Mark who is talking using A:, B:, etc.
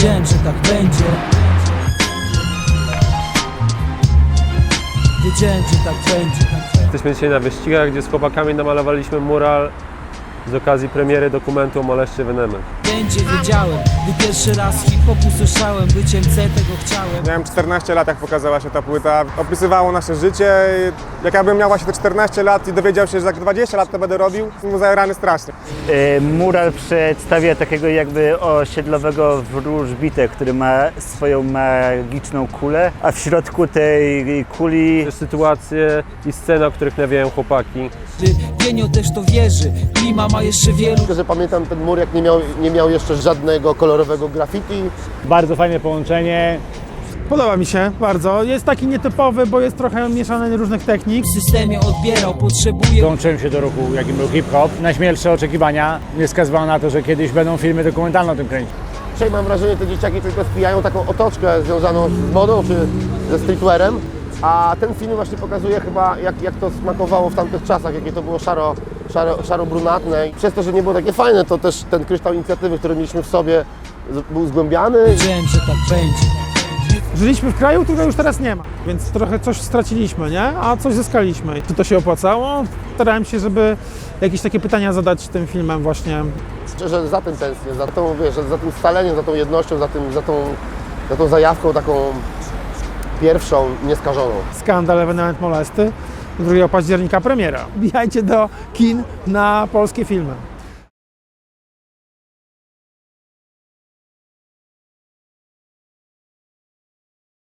A: Wiedziałem, że tak będzie. Wiedziałem, że tak będzie.
B: Jesteśmy dzisiaj na wyścigach, gdzie z chłopakami namalowaliśmy mural z okazji premiery dokumentu o moleście Venemem.
A: Będzie, wiedziałem, gdy pierwszy raz hip-hop usłyszałem, byciem C tego chciałem.
C: Miałem 14 lat, jak pokazała się ta płyta. Opisywało nasze życie. Jak ja bym miał właśnie te 14 lat i dowiedział się, że za 20 lat to będę robił, mu zajarany strasznie.
D: Mural przedstawia takiego jakby osiedlowego wróżbitę, który ma swoją magiczną kulę, a w środku tej kuli
B: Sytuacje i sceny, o których nawijają chłopaki.
A: Genio też to wierzy, Klima ma jeszcze wielu.
E: Że pamiętam ten mur, jak nie miał jeszcze żadnego kolorowego graffiti.
F: Bardzo fajne połączenie.
G: Podoba mi się bardzo. Jest taki nietypowy, bo jest trochę mieszany różnych technik.
A: W systemie odbierał, potrzebuje.
F: Dołączyłem się do ruchu, jakim był hip-hop. Najśmielsze oczekiwania nie wskazywały na to, że kiedyś będą filmy dokumentalne o tym kręcić.
E: Dzisiaj mam wrażenie, te dzieciaki tylko spijają taką otoczkę związaną z modą czy ze streetwearem. A ten film właśnie pokazuje chyba, jak to smakowało w tamtych czasach, jakie to było szaro-brunatne. I przez to, że nie było takie fajne, to też ten kryształ inicjatywy, który mieliśmy w sobie, był zgłębiany.
A: Wiedziałem, że tak będzie.
G: Żyliśmy w kraju, którego już teraz nie ma, więc trochę coś straciliśmy, nie? A coś zyskaliśmy. Czy to się opłacało? Starałem się, żeby jakieś takie pytania zadać tym filmem właśnie.
E: Szczerze za tym tęsknię, za tą, wiesz, za tym scaleniem, za tą jednością, za tą zajawką taką pierwszą, nieskażoną.
G: Skandal, ewenement molesty. 2 października premiera. Wbijajcie do kin na polskie filmy.